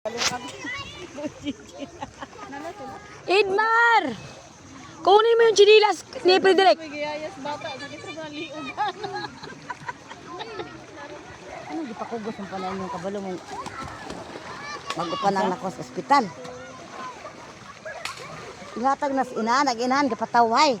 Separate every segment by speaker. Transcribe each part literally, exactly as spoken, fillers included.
Speaker 1: Idmar! Kunin mo yung chinilas ni Frederick.
Speaker 2: Ano gipakugos ang pala yung kabalo mo? Magupanang nako sa ospital. Ihatag nas ina, nag-inahan kapataway.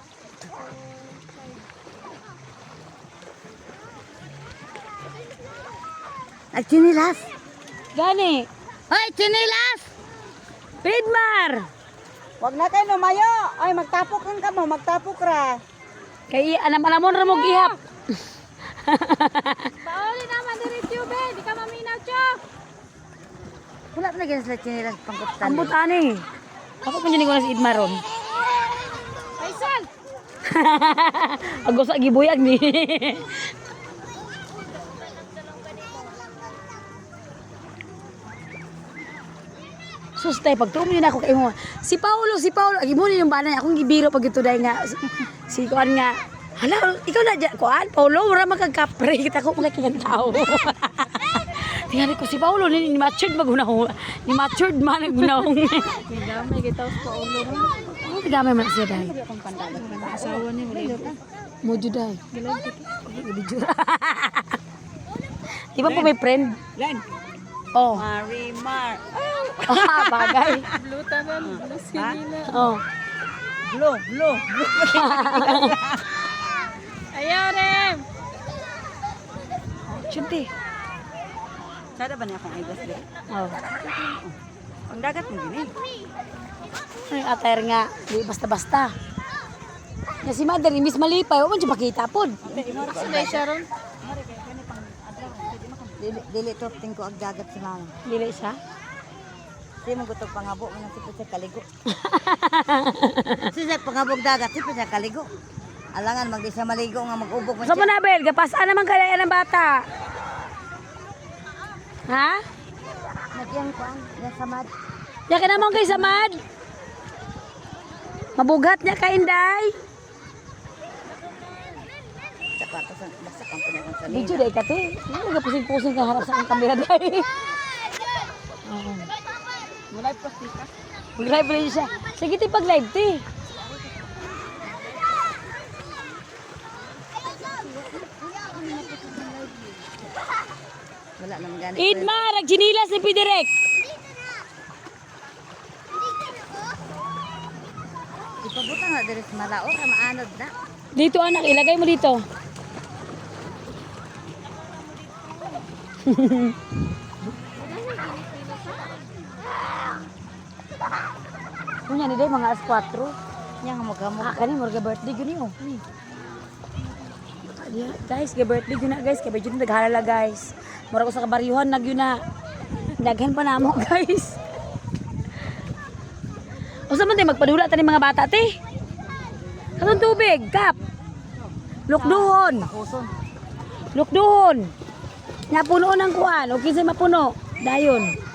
Speaker 2: Nagchinilas.
Speaker 1: Gani.
Speaker 2: Hoy, chinilas!
Speaker 1: Idmar!
Speaker 2: Wag na kayo lumayo. Ay, magtapok lang ka mo, magtapok ra.
Speaker 1: Kay anam-anamon ra mo gihap.
Speaker 3: Pauli naman diretso be, di ka maminaw chok.
Speaker 2: Wala na ganyan sila chinilas pangkutan.
Speaker 1: Ambot ani. Ako pa ninig ko na si Idmar ron.
Speaker 3: Faisal.
Speaker 1: Ako sa gibuyag ni. Sus tay pagtuom yun ako kay mo. Si Paulo, si Paulo, agi mo ni yung bana akong gibiro pag ito dai nga si kuan nga. Hala, ikaw na dyan, kuan, Paulo, wala magkagkapre, kita ko mga kinang tao. Tingnan ko si Paulo, ni, ni matured magunahong, ni matured man nagunahong.
Speaker 3: May gitaw sa Paulo.
Speaker 1: Ano tigamay man siya dahil?
Speaker 3: Asawa niya wala.
Speaker 1: Mojo dahil. Di ba po may friend?
Speaker 2: Len.
Speaker 1: Oh.
Speaker 2: Marimar.
Speaker 1: Ah, bagay.
Speaker 3: Blue tanan, blue sinina.
Speaker 1: Oh.
Speaker 2: Blue, blue, blue.
Speaker 3: Ayaw Rem.
Speaker 1: Chunti.
Speaker 2: Sada ba niya akong idas din?
Speaker 1: Oh.
Speaker 2: Ang dagat mo gini.
Speaker 1: Ay, atayar nga, di basta-basta. Na si Mother, Miss Malipay, o man siya makita po.
Speaker 3: Sila Sharon.
Speaker 2: Dili, dili to tingko ang dagat sa mama.
Speaker 1: Dili siya.
Speaker 2: Di mo gutog pangabo mo si sa kaligo. Si sa pangabog dagat si sa kaligo. Alangan magdi siya maligo nga mag-ubog man
Speaker 1: So,
Speaker 2: siya.
Speaker 1: Manabel, kapasaan naman kaya ng bata. Ha?
Speaker 2: Nagyang kuan, yan samad.
Speaker 1: Yan ka naman kay Samad. Mabugat niya ka, Inday.
Speaker 2: Saka to sa basta kang pinakon sa
Speaker 1: Video day ka, te. Ano nagpusing-pusing ka harap sa ang kamera, day. Oo.
Speaker 2: Mulay plastika.
Speaker 1: Mag-live rin siya. Sige, te, pag-live, te.
Speaker 2: Wala naman gani.
Speaker 1: Idmar, nagsinilas ni Pidirek.
Speaker 2: Ipabutan nga diri sa malao kay maanod na.
Speaker 1: Dito, anak, ilagay mo dito. Kunya ni day mga alas kwatro.
Speaker 2: Nya nga magamog.
Speaker 1: Ah, kani morga birthday guni oh. Ni. Yeah, guys, ga birthday gyud na guys, kay medyo naghalala guys. Mura ko sa kabaryuhan nag yun na. Daghan pa namo guys. Usa man tay magpadula ta ni mga bata te. Kanang tubig, kap. Lukduhon.
Speaker 2: Takuson.
Speaker 1: Lukduhon. Napuno ng kuan, o kinsay mapuno. Dayon.